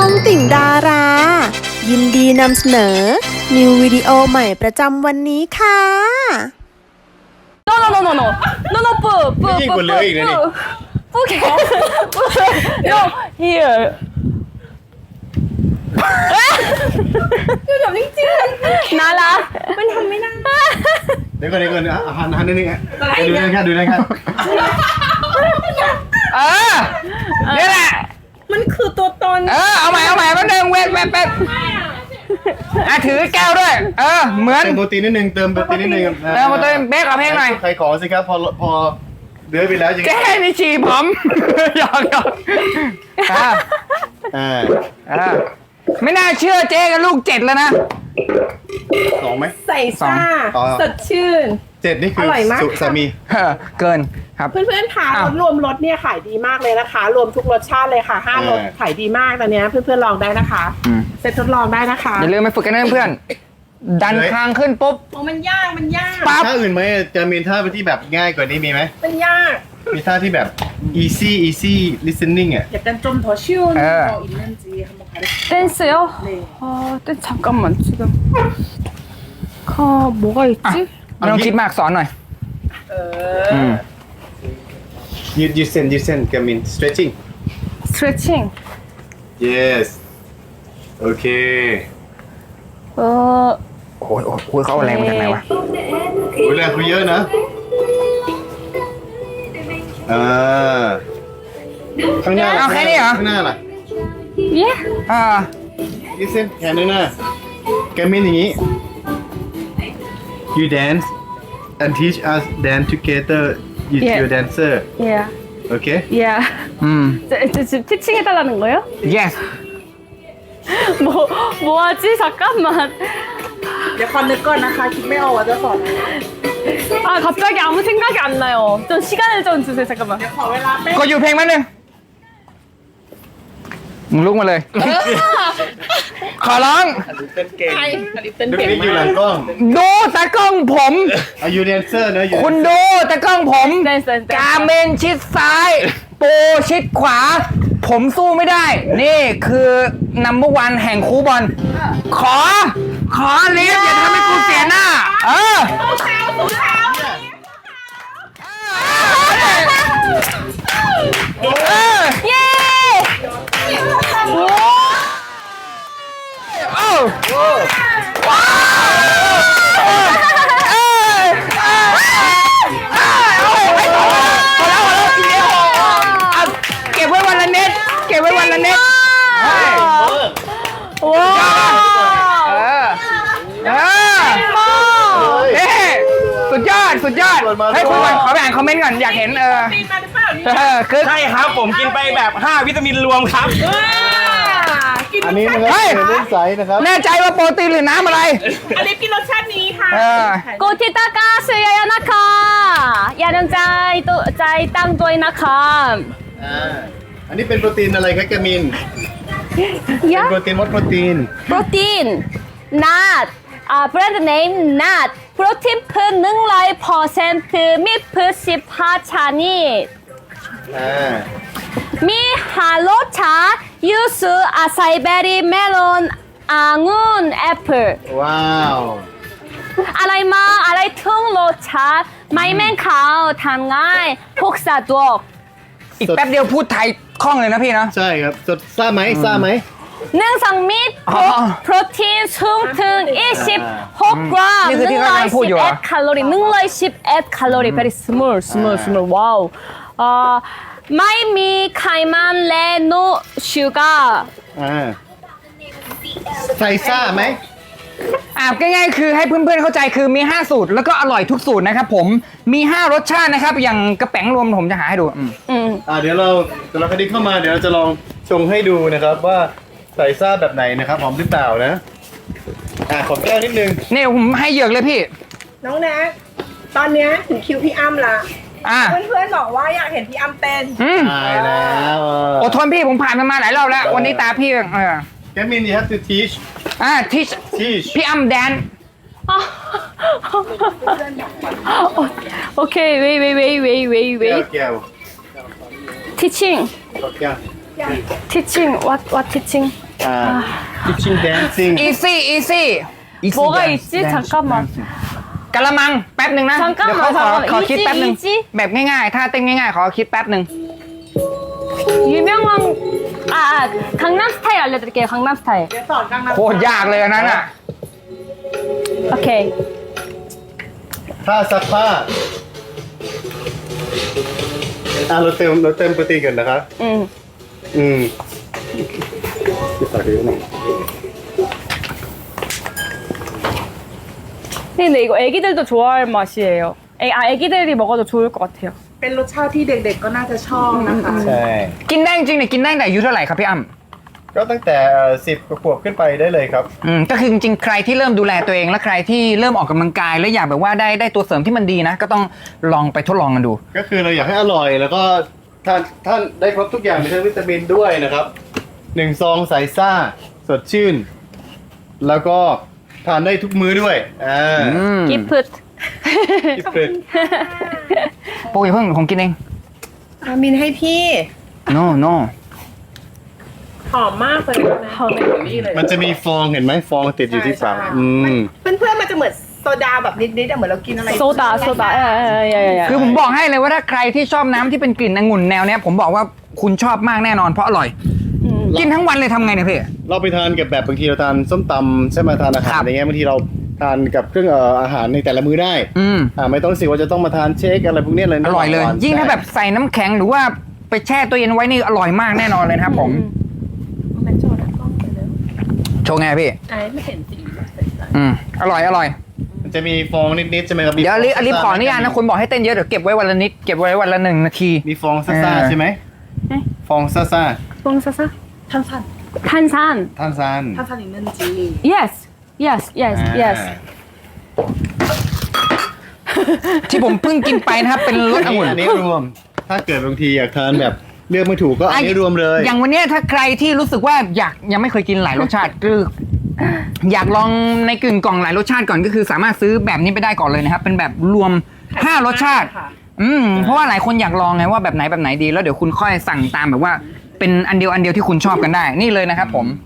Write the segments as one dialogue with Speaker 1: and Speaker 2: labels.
Speaker 1: องติ่งดารา ยินดีนำเสนอ นิววิดีโอใหม่ประจำวันนี้ค่ะ
Speaker 2: No no no no no no no 不不
Speaker 3: ยิ่งกว่าเหลืออีกนะนี่
Speaker 2: 不给不 no here
Speaker 4: แบบจริง
Speaker 2: นาละ
Speaker 4: ๆมันทำไม่ได้
Speaker 3: เดี๋ยวก่อนหันนิดนึงดูนั่นครับดูนั่นครับ
Speaker 5: เออนี่แหละ
Speaker 4: มันคือตัวตน
Speaker 5: เอาใหม่แป๊บนึงเว้นถือแก้วด้วย เหมือน
Speaker 3: เติมโปรตีนนิดนึงเติมโปรตีนนิดนึง
Speaker 5: เติมโปรตีนเบคเอาเพลงหน่อย
Speaker 3: ใครขอสิครับพอเดือไปแล้วยัง
Speaker 5: แก้นี่ฉี่ผม หยอกไม่น่าเชื่อเจ๊กับลูก7แล้วนะ
Speaker 3: สองไหม
Speaker 4: ใส่ซ่า
Speaker 3: ต่อ
Speaker 4: สดชื่น
Speaker 3: 7นี่คือ
Speaker 4: ร่อยมาก
Speaker 3: สุสามี
Speaker 5: เกินครับ
Speaker 4: เพื่อนๆคะ
Speaker 5: อ้าว
Speaker 4: รวมรสเนี่ยขายดีมากเลยนะคะ รวมทุกรสชาติเลยค่ะ5รสขายดีมากตอนเนี้ยเพื่อนๆลองได้นะคะเซ็ตทดลองได้นะคะ
Speaker 5: อย่าลืมไปฝึกกันนะเพื่อนๆดันคางขึ้นปุ๊บ
Speaker 4: โอ้มันยากมันยาก
Speaker 5: ปั๊บ
Speaker 3: ท่าอื่นไหมจะมีท่าที่แบบง่ายกว่านี้มีไหม
Speaker 4: มันยาก
Speaker 3: มีท่าที่แบบ easy listening อ่ะ
Speaker 4: อยากกันจมถั่วชิ่ว
Speaker 5: เออ
Speaker 4: อินเลนจีทำมาขายได้
Speaker 2: 댄스요? 댄스 잠깐만 지금 뭐가 있지?
Speaker 5: ไม่ต้องคิดมากสอนหน่อย
Speaker 3: ยืดเส้นกามิน stretching
Speaker 2: 스트레칭
Speaker 3: yes โอเค
Speaker 5: โอ้ยเขาเอาแรงมาจากไหนวะ
Speaker 3: โอ้ยแรงคุยเยอะนะข้างหน้าล่ะ
Speaker 5: เอาแค่นี้เหรอ
Speaker 3: ข้างหน้าล่ะ
Speaker 2: 예?
Speaker 3: ยืดเส้นแขนข้างหน้าแกมินอย่างนี้ you dance and teach us dance together
Speaker 2: Yeah.
Speaker 3: you're dancer
Speaker 2: 예.
Speaker 3: okay
Speaker 2: 예.
Speaker 5: จิ
Speaker 2: 지금 티칭해달라는 거예요?
Speaker 5: yes
Speaker 2: 뭐하지? 잠깐만.
Speaker 4: เดี๋ยวคอนนึกก่อนนะคะคิดไม่ออกว่าจะสอน
Speaker 2: 아, 갑자기 아무 생각이 안 나요. 좀 시간을 좀 주세요. 잠깐만.
Speaker 4: ขอเวลาแป๊บ
Speaker 5: กดอยู่เพลงมั้ยนึงมึงลุกมาเลย ขอร้อง
Speaker 4: ใครอันนี้เป็น
Speaker 3: ดู
Speaker 4: เพลง
Speaker 3: นี่อยู่หลังกล้อง
Speaker 5: ดูตากล้องผม
Speaker 3: Are you dancer นะ you
Speaker 5: คุณดูตากล้องผม
Speaker 2: 댄스, 댄스.
Speaker 5: กาเมนชิดซ้าย โปชิดขวา ผมสู้ไม่ได้ นี่คือนัมเบอร์วันแห่งคูบอล ขอลิฟอย่าทำให้กูเสียหน้า
Speaker 2: 예!
Speaker 5: เก็บไว้วันละเน็ต
Speaker 2: 와!
Speaker 5: สุดยอดให้คุณก่อนขอไปอ่านคอมเมนต์ก่อนอยากเห็น
Speaker 4: ปีนมาหรือเปล่านี่
Speaker 5: คือ
Speaker 6: ใช่ครับผมกินไปแบบ 5 วิตามินรวมครับ
Speaker 4: กิน
Speaker 3: อันนี้นะครับเป็นเล่นใสนะครับ
Speaker 5: แน่ใจว่าโปรตีนหรือน้ำอะไร
Speaker 4: อันนี้กินรสชาตินี้ค่ะ
Speaker 2: 고티다가 수야야 나카 야는 짜이 땅도이 나카
Speaker 3: อันนี้เป็นโปรตีนอะไรครับกามิน เป็น
Speaker 2: 야
Speaker 3: โปรตีนวัดโปรตีน
Speaker 2: 프로틴 not 브랜드 네임 not 프로틴 프 능라이 퍼센트 미프 14차니 미 할로차 유수 아사이베리 멜론 앙운 애플
Speaker 3: ว้าว
Speaker 2: อะไรมาอะไรทึ่งโลชาไม่แม่งขาวทำง่ายพกสะดวก
Speaker 5: อีกแป๊บเดียวพูดไทยคล่องเลยนะพี่นะ
Speaker 3: ใช่ครับสดซ่าไหม
Speaker 2: เนื่องจากมิตร
Speaker 5: อ๋อ
Speaker 2: โปรตีนสูงถึง26กรัม
Speaker 5: นี่คือที่เขากำลังพูดอยู่เหรอ
Speaker 2: 111แคลอรี่111แคลอรี่ very small ว้าวไม่มีไขมันและ no sugar
Speaker 3: ใส่ซ่าไหม
Speaker 5: ง่ายๆคือให้เพื่อนๆเข้าใจคือมี5สูตรแล้วก็อร่อยทุกสูตรนะครับผมมี5รสชาตินะครับอย่างกระแป๋งรวมผมจะหาให้ดู
Speaker 3: เดี๋ยวเราคดีเข้ามาเดี๋ยวเราจะลองชงให้ดูนะครับว่าใส่ซ่าแบบไหนนะครับหอมหรือเปล่านะขอแก้วนิดนึง
Speaker 5: นี่ผมให้เหยือกเลยพี่
Speaker 4: น้องแน็กตอนเนี้ยถึงคิวพี่อ้ำละ
Speaker 5: อ่ะ
Speaker 4: เพื่อนๆบอกว่าอยากเห็นพี่อ้ำเต้น
Speaker 3: ตายแล้ว
Speaker 5: อดทนพี่ผมผ่านมันมาหลายรอบแล้ว วันนี้ตาพี่
Speaker 3: แกมิน you have to teach
Speaker 5: teach พี่อ้ำแดน
Speaker 2: 오케이 wait
Speaker 3: แก้ว
Speaker 2: teaching
Speaker 3: แก้ว
Speaker 2: teaching what teaching
Speaker 3: Kitchen dancing
Speaker 5: easy easy
Speaker 2: 뭐가 있지? 잠깐만.
Speaker 5: กะละมังแป๊บหนึ่งนะ
Speaker 2: 잠깐만,
Speaker 5: เดี๋ยวเขาขอ
Speaker 2: 잠깐만.
Speaker 5: คิดแป๊บหนึ่ง
Speaker 2: 이지?
Speaker 5: แบบง่ายๆถ้าเต้นง่ายๆขอคิดแป๊บหนึ่ง
Speaker 2: 유명한 강남 스타일 알려드릴게요. 강남 스타일.
Speaker 4: เดี๋ยวสอนกังนำ
Speaker 5: โคตรยากเลยอันนั้นอ่ะ
Speaker 2: 오케이.
Speaker 3: ถ้าซักผ้าเราเติมโปรตีนกันนะครับ ใส่เยอะหน่อย
Speaker 2: 근데 이거 애기들도 좋아할 맛이에요. 애기들이 먹어도 좋을 것 같아요.
Speaker 4: เป็นรสชาติที่เด็กๆก็น่าจะชอบนะคะ
Speaker 3: ใช่
Speaker 5: กินได้จริงๆเนี่ยกินได้ตั้งแต่อายุเท่าไหร่ครับพี่อ้ำ
Speaker 3: ก็ตั้งแต่10 ขวบขึ้นไปได้เลยครับ
Speaker 5: ก็คือจริงๆใครที่เริ่มดูแลตัวเองและใครที่เริ่มออกกำลังกายแล้วอยากแบบว่าได้ตัวเสริมที่มันดีนะ ก็ต้องลองไปทดลองกันดู
Speaker 3: ก็คือเราอยากให้อร่อยแล้วก็ท่านได้ครบทุกอย่างมีทั้งวิตามินด้วยนะครับ1 ซองใสซ่าสดชื่น แล้วก็ทานได้ทุกมื้อด้วย
Speaker 2: 기프트.
Speaker 3: อิฟเฟรด
Speaker 5: โปรอย่าเพิ่งผมกินเอง
Speaker 4: อามินให้พี่
Speaker 5: no no
Speaker 4: หอมมากเลยนะหอมนี่เลย
Speaker 3: มันจะมีฟองเห็นไหมฟองติดอยู่ที่ปาก
Speaker 4: เพื่อนๆมันจะเหมือนโซดาแบบนิดๆอะเหมือนเรากินอะไร
Speaker 2: 소다. 야야야야야.
Speaker 5: คือผมบอกให้เลยว่าถ้าใครที่ชอบน้ำที่เป็นกลิ่นองุ่นแนวเนี้ยผมบอกว่าคุณชอบมากแน่นอนเพราะอร่อย กินทั้งวันเลยทำไงเนี่ยพี่
Speaker 3: เราไปทานกับแบบบางทีเราทานส้มตำใช่ไหมทานอาหาร
Speaker 5: ครับ
Speaker 3: อย่างเงี้ยบางทีเราทานกับเครื่องอาหารในแต่ละมื้อได้ ไม่ต้องสิว่าจะต้องมาทานเชคอะไรพวกนี้เลย
Speaker 5: อร่อยเลย
Speaker 3: หวานๆ
Speaker 5: ยิ่งถ้าแบบใส่น้ำแข็งหรือว่าไปแช่ตัวเย็นไว้นี่อร่อยมากแน่นอนเลยนะครับผมโชว์ไงพี่
Speaker 4: ไม่เห็นสี
Speaker 5: อร่อย
Speaker 3: มันจะมีฟองนิดๆใช่ไหมครับ
Speaker 5: เดี๋ยวอลิฟขออนุญาตนะคุณบอกให้เต้นเยอะเดี๋ยวเก็บไว้วันละนิดเก็บไว้วันละ1 นาที
Speaker 3: มีฟองซ่าๆใช่ไหมฟองซ่า
Speaker 2: 뽕사사.
Speaker 4: 탄산
Speaker 2: 탄산.
Speaker 3: ๆท่านซาน
Speaker 4: 탄산 있는지
Speaker 2: Yes. Yes.
Speaker 5: ที่ผมเพิ่งกินไปนะครับเป็นรสองุ่น
Speaker 3: อันนี้รวม ถ้าเกิดบางทีอยากทานแบบเลือกไม่ถูกก็อันนี้รวมเลย
Speaker 5: อย่างวันเนี้ยถ้าใครที่รู้สึกว่ายังไม่เคยกินหลายรสชาติคืออยากลองในกึ่งกล่องหลายรสชาติก่อนก็คือสามารถซื้อแบบนี้ไปได้ก่อนเลยนะครับเป็นแบบรวม5 รสชาติ เพราะว่าหลายคนอยากลองไงว่าแบบไหนดีแล้วเดี๋ยวคุณค่อยสั่งตามแบบว่าเป็นอันเดียวที่คุณชอบกันได้นี่เลยนะครับผม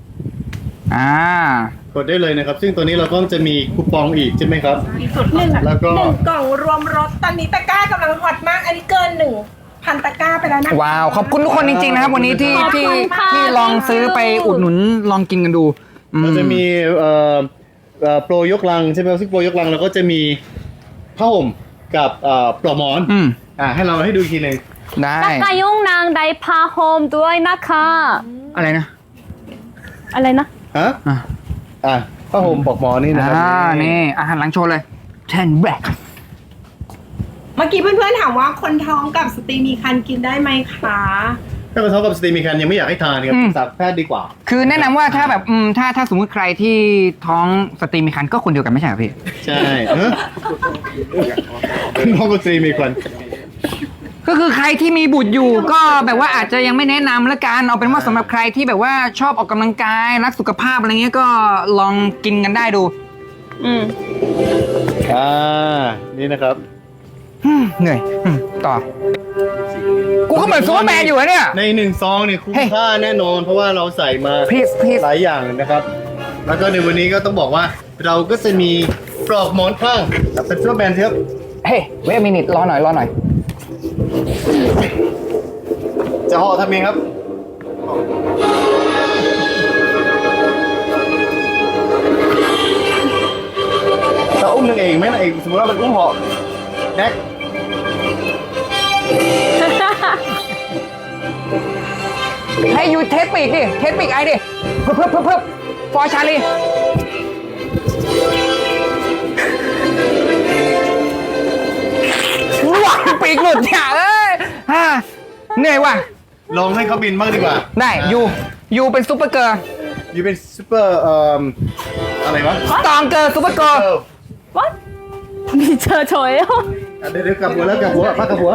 Speaker 3: กดได้เลยนะครับ ซึ่งตัวนี้เราก็จะมีคูปองอีกใช่ไหมครับ แล้วก็
Speaker 4: 1 กล่องรวมรสตอนนี้ตะกร้ากำลังฮอตมาก อันนี้เกิน 1,000 ตะกร้าไปแล้วนะ
Speaker 5: ว้าวขอบคุณทุกคนจริงๆนะครับวันนี้ที่
Speaker 2: ขอบคุณค่ะ
Speaker 5: ลองซื้อไปอุดหนุนลองกินกันดู
Speaker 3: เราจะมีโปรยกลังใช่ไหมครับซึ่งโปรยกลังเราก็จะมีผ้าห่มกับปลอกหมอนให้เราให้ดูอีกทีหนึ่ง
Speaker 5: ได้
Speaker 2: 나카용랑 나이파홈 두아이나카.
Speaker 5: อะไรนะ
Speaker 2: 알레나?
Speaker 3: ฮะผ้าห่มปลอกหมอนนี่นะครับ
Speaker 5: นี่อาหารหลังโชว์เลย10 black
Speaker 4: เมื่อกี้เพื่อนๆถามว่าคนท้องกับสตรีมีครรภ์กินได้ไหมคะ
Speaker 3: ถ้าเป็นท้องกับสตรีมีคันยังไม่อยากให้ทานครับปรึกษาแพทย์ดีกว่า
Speaker 5: คือแนะนำว่าถ้าแบบถ้าสมมุติใครที่ท้องสตรีมีครรภ์ก็คนเดียวกันไม่ใช่เหรอพี่
Speaker 3: ใช่ท้องกับสตรีมีคัน
Speaker 5: ก็คือใครที่มีบุตรอยู่ก็แบบว่าอาจจะยังไม่แนะนำละกันเอาเป็นว่าสำหรับใครที่แบบว่าชอบออกกำลังกายรักสุขภาพอะไรเงี้ยก็ลองกินกันได้ดู
Speaker 3: นี่นะครับ
Speaker 5: เหนื่อยต่อกูก็เหมือนซูเปอร์แมนอยู่อะเนี่ย
Speaker 3: ใน1 ซองเนี่ยคุ้มค่าแน่นอน เพราะว่าเราใส่มา
Speaker 5: Please
Speaker 3: หลายอย่างนะครับ แล้วก็ในวันนี้ก็ต้องบอกว่าเราก็จะมีปลอกหมอนข้างเป็นซูเปอร์แมนครับ
Speaker 5: เฮ้ยเวทมินิทรอหน่อย
Speaker 3: จะห่อทำเองครับ เราอุ้มนางเอกไหมนางเอกสมมติว่ามันอุ้มห่อแน็ก
Speaker 5: ให้ยูเทสปีกดิเทสปีกไอดิเพิ่มฟอร์ชาลีว้าปีกหลุดเนี่ยเหนื่อยว่ะ
Speaker 3: ลองให้เขาบินบ้างดีกว่า
Speaker 5: ได้ยูเป็นซุปเปอร์เกิร์ล
Speaker 3: อยู่เป็นซูเปอร์อะไรวะ
Speaker 5: ตองเกิร์ลซุปเปอร์เกิร์ล
Speaker 2: What? 미쳐 저예요?
Speaker 3: เดี๋ยวกลับหัวแล้วกลับหัวพักกลับหัว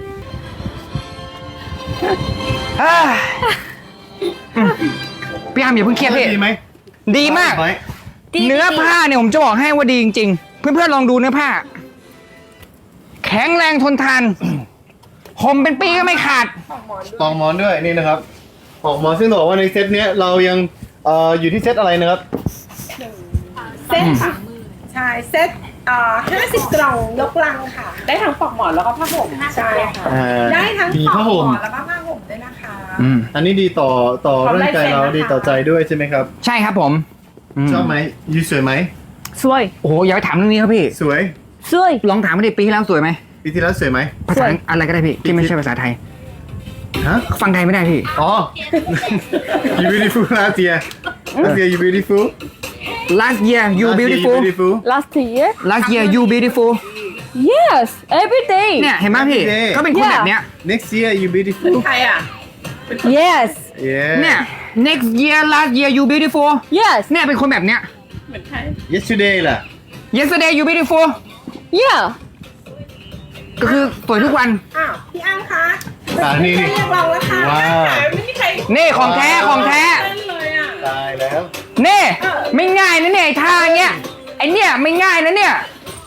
Speaker 5: พี่อาร์มอย่าเพิ่งเครียดพี่
Speaker 3: ดีไหม
Speaker 5: ดีมาก
Speaker 3: ไหม
Speaker 5: เนื้อผ้าเนี่ยผมจะบอกให้ว่าดีจริงๆ เพื่อนๆลองดูเนื้อผ้า แข็งแรงทนทานห่มเป็นปีก็ไม่ขาด
Speaker 3: ปองหมอนด้วยนี่นะครับออกมาซึ่งบอกว่าในเซตเนี้ยเรายังอยู่ที่เซตอะไรนะครับ
Speaker 4: เซตค่ะใช่เซต50 กล่องยกลังค่ะ ได้ทั้งปลอกหมอนแล้วก็ผ้าห่มใช่ค่ะ ได้ทั้ง
Speaker 3: มี
Speaker 4: ปลอก
Speaker 3: ผ้า
Speaker 4: หม
Speaker 3: ห่ม
Speaker 4: อนแล้วก็ผ้าห่มด้วยนะคะ
Speaker 3: อันนี้ดีต่อร่างกายเราดีต่อใจด้วยใช่ไหมครับ
Speaker 5: ใช่ครับผมม
Speaker 3: ชอบไหมยูสวยไหม
Speaker 2: สวย
Speaker 5: โอ้โหอย่าไปถามเรื่องนี้ครับพี่
Speaker 3: สวย
Speaker 2: สวย
Speaker 5: ลองถามมาดิปีที่แล้วสวยไหม
Speaker 3: ปีที่แล้วสวยไหม
Speaker 5: ภาษาอะไรก็ได้พี่ที่ไม่ใช่ภาษาไทย
Speaker 3: ฮะ
Speaker 5: ฟังไทยไม่ได้พี่
Speaker 3: อ๋อ you beautiful last year you beautiful
Speaker 5: last year you
Speaker 3: Last year
Speaker 5: beautiful
Speaker 2: last year
Speaker 5: last year you beautiful
Speaker 2: yes every day
Speaker 5: เนี่ยเห็นไหมพี่
Speaker 3: Every day
Speaker 5: ก็เป็นคนแบบเนี้ย
Speaker 3: next year you beautiful
Speaker 4: ใครอ่ะ
Speaker 2: yes
Speaker 3: yeah
Speaker 5: เนี่ย next year last year you beautiful
Speaker 2: yes
Speaker 5: เนี่ยเป็นคนแบบเนี้ย
Speaker 4: เหมือนใคร
Speaker 3: yesterday ล่ะ
Speaker 5: yesterday you beautiful
Speaker 2: yeah
Speaker 5: ก็คือสวยทุกวัน
Speaker 4: อ้าว พี่อ้ำคะ
Speaker 3: นี่
Speaker 4: ไม่เรียกเราแล้วค่ะ
Speaker 3: ว้าว
Speaker 4: ไม่มีใคร
Speaker 5: นี่ของแท้ของแท้
Speaker 4: เล่นเลยอ่ะ
Speaker 3: ตายแล้ว
Speaker 5: นี่ไม่ง่ายนะเนี่ยไอ้ท่าเนี้ยไอเนี่ยไม่ง่ายนะเนี่ย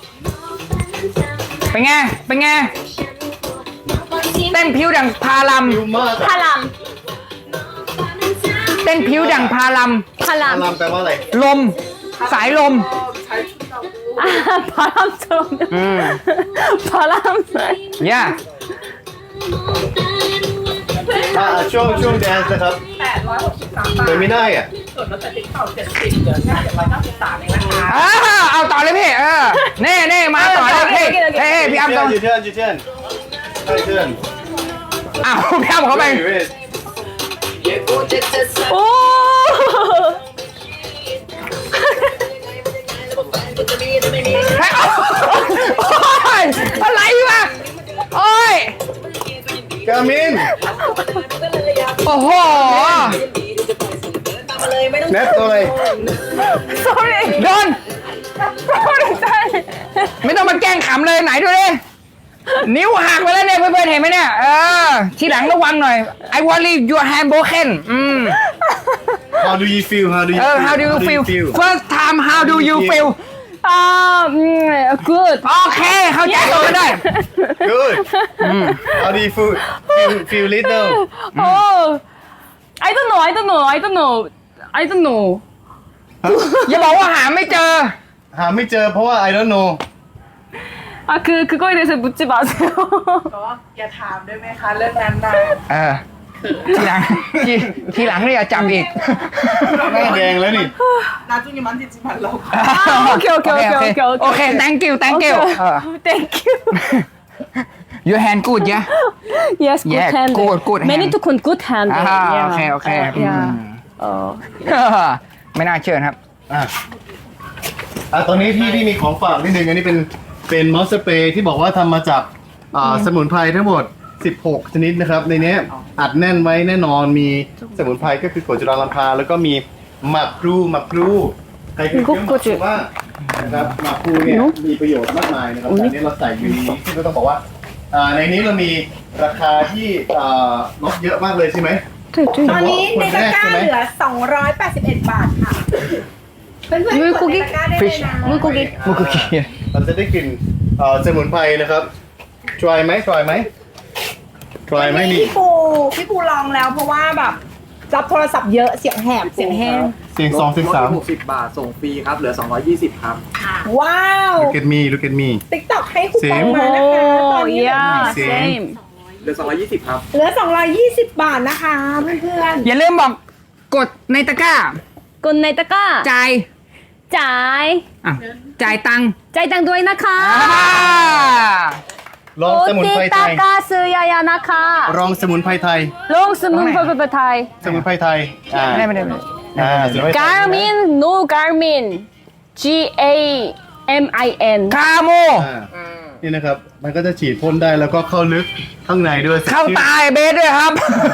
Speaker 5: เป็นไงเป็นไงเต้นผิวดังพาลัม
Speaker 3: ฟิวมาก
Speaker 2: พาราม
Speaker 5: เต้นผิวดังพาลัม
Speaker 2: พาราม
Speaker 3: ลำแปลว่าอะไร
Speaker 5: ลมสายลม
Speaker 2: 바람처럼 바람
Speaker 5: เนี่ย
Speaker 3: ช่วงแดนซ์นะครับ
Speaker 4: 863 บาท
Speaker 3: เดินไม่ได้อ่ะ
Speaker 4: ส่วนลดจากติ๊กต็อก70เหลือแค่793เองนะคะ
Speaker 5: เอาต่อเลยพี่เน่มาต่อเลยพี่เฮ้ยพี่อ้ำต้อง
Speaker 3: ยูเทิร์น
Speaker 5: อ้าวพี่อ้ำเขาไป
Speaker 2: 오
Speaker 5: โอ๊ยอะไรวะโอ้ย
Speaker 3: กามิน
Speaker 5: โอ้โห
Speaker 3: แนทตัวอะไร
Speaker 2: sorry
Speaker 5: โดน ไม่ต้องมาแกล้งขำเลยไหนดูดินิ้วหักไปแล้วเนี่ยเพื่อนๆเห็นไหมเนี่ยทีหลังระวังหน่อย I worry your hand broken
Speaker 3: How do you feel
Speaker 5: how do you feel first time how do you feel
Speaker 2: good
Speaker 5: โอเคเข้าใจตัวกันได้
Speaker 3: Good How do you feel little
Speaker 2: oh I don't know
Speaker 5: อย่าบอกว่าหาไม่เจอ
Speaker 3: หาไม่เจอเพราะว่า I don't know
Speaker 2: 그거에 대해서 묻지 마세요
Speaker 4: ก็อย่าถามได้ไหมคะเรื่องนั้นนะ
Speaker 5: ทีหลังเนี่ยอย่าจับอีก
Speaker 3: หน้าแดงแล้วนี่
Speaker 4: 나중에 만지지만 라고
Speaker 2: 오케이
Speaker 5: โอเค thank you
Speaker 2: thank you
Speaker 5: your hand good yeah
Speaker 2: yes good
Speaker 5: Yeah,
Speaker 2: hand
Speaker 5: good hand.
Speaker 2: many to good hand
Speaker 5: โอเค ไม่น่าเชื่อครับ
Speaker 3: ตอนนี้พี่มีของฝากนิดนึงอันนี้เป็นมอสสเปรย์ที่บอกว่าทำมาจากสมุนไพรทั้งหมด 16 ชนิดนะครับ ในนี้อัดแน่นไว้แน่นอนมีสมุนไพรก็คือกรดจุลาลัมพาแล้วก็มีหมักพลูใครเคยเคี้ยวหมักพลูบ้างนะครับหมักพลูเนี่ยมีประโยชน์มากมายนะครับแต่อันนี้เราใส่อยู่ในนี้ซึ่งก็ต้องบอกว่าในนี้เรามีราคาที่ลดเยอะมากเลยใช่ไหม
Speaker 4: ตอนนี้ในตะกร้าเหลือ281 บาทค่ะเพื่อนๆกดในตะกร้าได้เลยนะ
Speaker 2: 물고기
Speaker 3: เราจะได้กลิ่นสมุนไพรนะครับทรายไหมนี่
Speaker 4: พี่ปูลองแล้วเพราะว่าแบบรับโทรศัพท์เยอะเสียงแหบเสียงแห้ง
Speaker 3: เสียง2เสียง
Speaker 6: 60 บาท ส่งฟรีครับ เหลือ 220 ครับ
Speaker 4: ว้าว
Speaker 3: 3 look at me
Speaker 4: ติ๊กต็อกให้คูปองมานะคะตอนนี้
Speaker 2: yeah
Speaker 3: Same.
Speaker 2: same
Speaker 6: เหลือ 220 ครับ
Speaker 4: เหลือ220 บาทนะคะเพื่อน
Speaker 5: อย่าลืมบอกกดในตะกร้า
Speaker 2: 굿나잇 따까
Speaker 5: จ่าย
Speaker 2: 짜이
Speaker 5: จ่ายตังค์
Speaker 2: 짜이짱 도이 나카
Speaker 3: ลองสมุนไพร
Speaker 2: 오티
Speaker 3: ไทย
Speaker 2: 따까 스야야 나카
Speaker 3: ลองสมุนไพรไทย
Speaker 2: 롱스 문퍼퍼퍼 타이
Speaker 3: สมุนไพรไทย
Speaker 5: ไม่ได้
Speaker 3: สมุนไพรไทย
Speaker 2: Garmin no Garmin G A M I N
Speaker 5: คาโม
Speaker 3: นี่นะครับมันก็จะฉีดพ่นได้แล้วก็เข้าลึกข้างในด้วย
Speaker 5: เข้าตายเบสด้วยครับ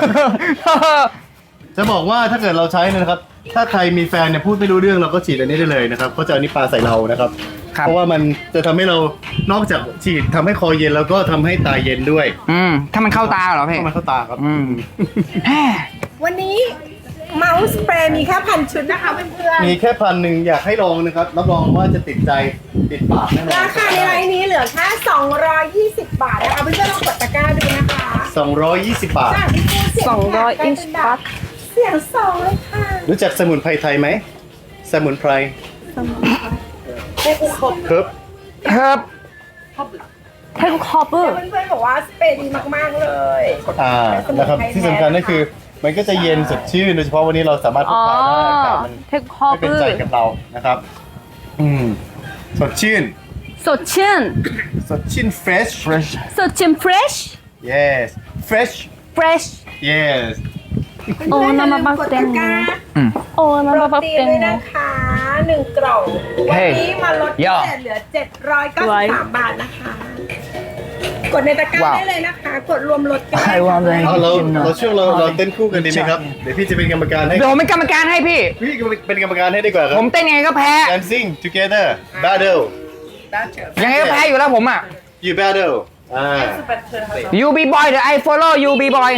Speaker 3: จะบอกว่าถ้าเกิดเราใช้นะครับ ถ้าใครมีแฟนเนี่ยพูดไม่รู้เรื่องเราก็ฉีดอันนี้ได้เลยนะครับเขาจะเอานี้ปาใส่เรานะครับ
Speaker 5: ครับ
Speaker 3: เพราะว่ามันจะทำให้เรานอกจากฉีดทำให้คอเย็นแล้วก็ทำให้ตาเย็นด้วย
Speaker 5: ถ้ามันเข้าตาเหรอพี่
Speaker 3: เข้ามาเข้าตาครับ
Speaker 4: ๆวันนี้เมาส์สเปรย์มีแค่1,000 ชุดนะคะเพื่อน
Speaker 3: มีแค่1,000อยากให้ลองนะครับรับรองว่าจะติดใจติดปากแน่นอน
Speaker 4: ๆราคาในไลน์นี้เหลือแค่220 บาทนะคะเพื่อนๆลองกดตะกร้าดูนะคะ
Speaker 3: 220 บาท
Speaker 4: จากที่ปูเสียงแหบกลายเป็นแบบสียงสองเลยค่ะ
Speaker 3: รู้จักสมุนไพรไทยไหมสมุนไพร
Speaker 4: เรียกครบ
Speaker 3: ครับ
Speaker 5: ครับ
Speaker 2: 태국 허브
Speaker 4: เพื่อนๆบอกว่าสเปรย์ดีมากๆเลย
Speaker 3: นะครับที่สำคัญก็คือมันก็จะเย็นสดชื่นโดยเฉพาะวันนี้เราสามารถพกพาได้อากาศมัน
Speaker 2: 태국
Speaker 3: ไม่เป็นใจกับ
Speaker 2: 허브
Speaker 3: เรานะครับ สดชื่น
Speaker 2: 소친
Speaker 3: สดชื่น fresh
Speaker 2: 소친 fresh
Speaker 3: yes fresh
Speaker 2: fresh
Speaker 3: yes
Speaker 2: โอ้น้ำมะบัก
Speaker 4: กด
Speaker 2: แต
Speaker 4: ตะ
Speaker 2: ง
Speaker 4: กร้า
Speaker 2: โอ้
Speaker 4: โปร
Speaker 2: น้ำมะบัก
Speaker 4: ตีน
Speaker 2: แตง
Speaker 4: ด้วย
Speaker 2: โม
Speaker 4: นะคะ1กล่อง วันนี้มาลดพิเศษเหลือ 793 บาทนะคะ กดในตะกร้า
Speaker 5: ว้าว
Speaker 4: ได้เลยนะคะ กดรวมลดกันได้
Speaker 5: I want
Speaker 4: ค่ะ
Speaker 3: เอาเราช่วงเราเต้นคู่กันดีไหมครับ เดี๋ยวพี่จะเป็นกรรมการให้
Speaker 5: เดี๋ยวผมเป็นกรรมการให้พี่
Speaker 3: พี่เป็นกรรมการให้ดีกว่าครั
Speaker 5: ผ
Speaker 3: บ
Speaker 5: มเต้นยังไงก็แพ้
Speaker 3: dancing together battle
Speaker 5: ยังไงก็แพ้อยู่แล้วผมอ่ะ
Speaker 3: you battle
Speaker 5: you be boy เดี๋ยว I follow you be boy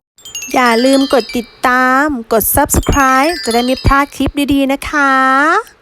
Speaker 1: อย่าลืมกดติดตาม กด subscribe จะได้ไม่พลาดคลิปดีๆนะคะ